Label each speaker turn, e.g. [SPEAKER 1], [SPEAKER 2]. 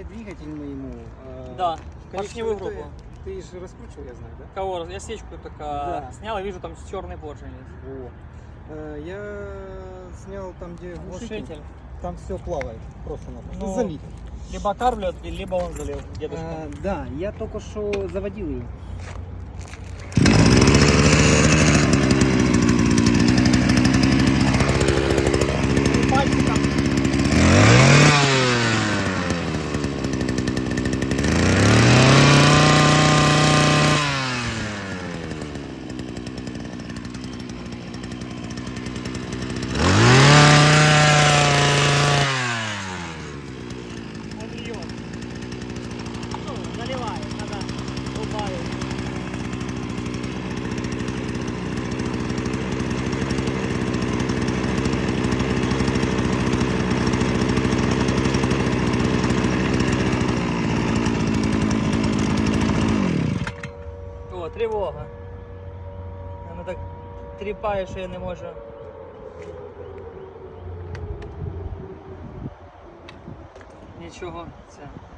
[SPEAKER 1] двигатель ему.
[SPEAKER 2] Да,
[SPEAKER 1] Конечно,
[SPEAKER 2] поршневую группу.
[SPEAKER 1] Ты же раскручивал, я знаю, да?
[SPEAKER 2] Кого? Я свечку только
[SPEAKER 1] Да.
[SPEAKER 2] снял и вижу, там черный поршень есть.
[SPEAKER 1] Во. Я снял там, где
[SPEAKER 2] Глушитель.
[SPEAKER 1] Там все плавает, просто-напросто.
[SPEAKER 2] Ну,
[SPEAKER 1] Залито.
[SPEAKER 2] Либо карлет, либо он залил, дедушка.
[SPEAKER 1] Да, я только что заводил ее.
[SPEAKER 2] Пальчиком. Заливает, надо убавить. О, тривога. Воно так тріпає, що я не можу. Нічого, це.